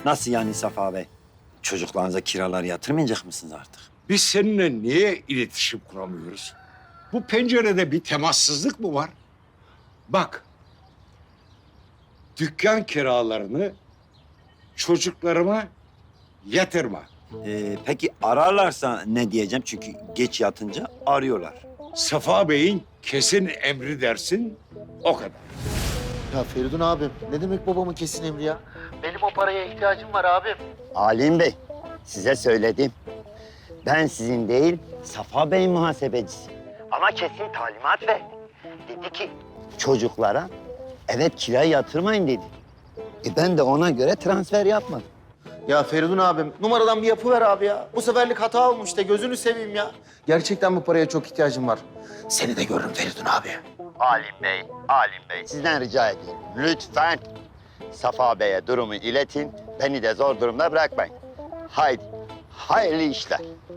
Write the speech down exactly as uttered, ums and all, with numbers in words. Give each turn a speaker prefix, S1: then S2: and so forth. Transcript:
S1: Nasıl yani Safa Bey? Çocuklarınıza kiralar yatırmayacak mısınız artık?
S2: Biz seninle niye iletişim kuramıyoruz? Bu pencerede bir temassızlık mı var? Bak, dükkan kiralarını çocuklarıma yatırma.
S1: Ee, peki ararlarsa ne diyeceğim? Çünkü geç yatınca arıyorlar.
S2: Safa Bey'in kesin emri dersin, o kadar.
S3: Ya Feridun abim, ne demek babamın kesin emri ya? Benim o paraya ihtiyacım var abim.
S4: Alim Bey, size söyledim. Ben sizin değil, Safa Bey'in muhasebecisi. Ama kesin talimat verdi. Dedi ki çocuklara evet kirayı yatırmayın dedi. E ben de ona göre transfer yapmadım.
S3: Ya Feridun abim, numaradan bir yapı ver abi ya. Bu seferlik hata olmuş de gözünü seveyim ya. Gerçekten bu paraya çok ihtiyacım var. Seni de görürüm Feridun abi.
S4: Alim Bey, Alim Bey sizden rica ediyorum. Lütfen Safa Bey'e durumu iletin. Beni de zor durumda bırakmayın. Haydi, hayırlı işler.